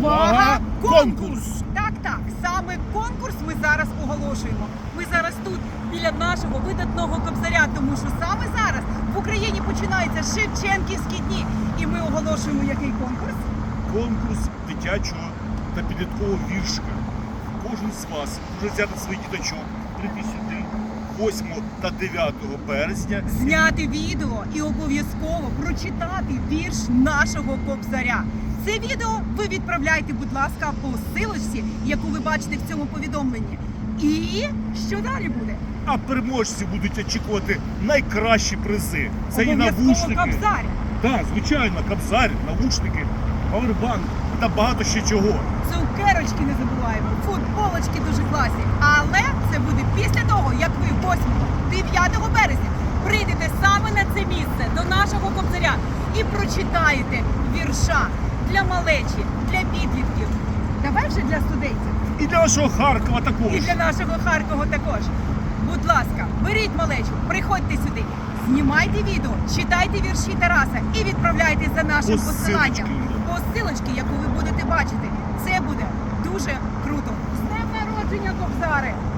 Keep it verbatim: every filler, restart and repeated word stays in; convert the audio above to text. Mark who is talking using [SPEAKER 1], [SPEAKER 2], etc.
[SPEAKER 1] Увага! Конкурс!
[SPEAKER 2] Так, так, саме конкурс ми зараз оголошуємо. Ми зараз тут, біля нашого видатного кобзаря, тому що саме зараз в Україні починаються Шевченківські дні. І ми оголошуємо який конкурс?
[SPEAKER 1] Конкурс дитячого та підліткового віршика. Кожен з вас може взяти своїх діточок, прийти сюди восьмого та дев'ятого березня.
[SPEAKER 2] Зняти відео і обов'язково прочитати вірш нашого кобзаря. Це відео ви відправляйте, будь ласка, по ссилочці, яку ви бачите в цьому повідомленні. І що далі буде?
[SPEAKER 1] А переможці будуть очікувати найкращі призи. Це і
[SPEAKER 2] Обов'язково
[SPEAKER 1] навушники.
[SPEAKER 2] кобзар.
[SPEAKER 1] Так, звичайно, кобзар, навушники, павербанк та багато ще чого.
[SPEAKER 2] Цукерочки не забуваємо, футболочки дуже класні. Але це буде після того, як ви восьмого-дев'ятого березня прийдете саме на це місце до нашого кобзаря і прочитаєте вірша для малечі, для підлітків. Давай вже для студентів.
[SPEAKER 1] І для нашого Харкова також.
[SPEAKER 2] І для нашого Харкова також. Будь ласка, беріть малечу, приходьте сюди, знімайте відео, читайте вірші Тараса і відправляйте за нашим
[SPEAKER 1] По
[SPEAKER 2] посиланням.
[SPEAKER 1] ссилочці.
[SPEAKER 2] По ссилочці, яку ви будете бачити. Це буде дуже круто. З днем народження, кобзари!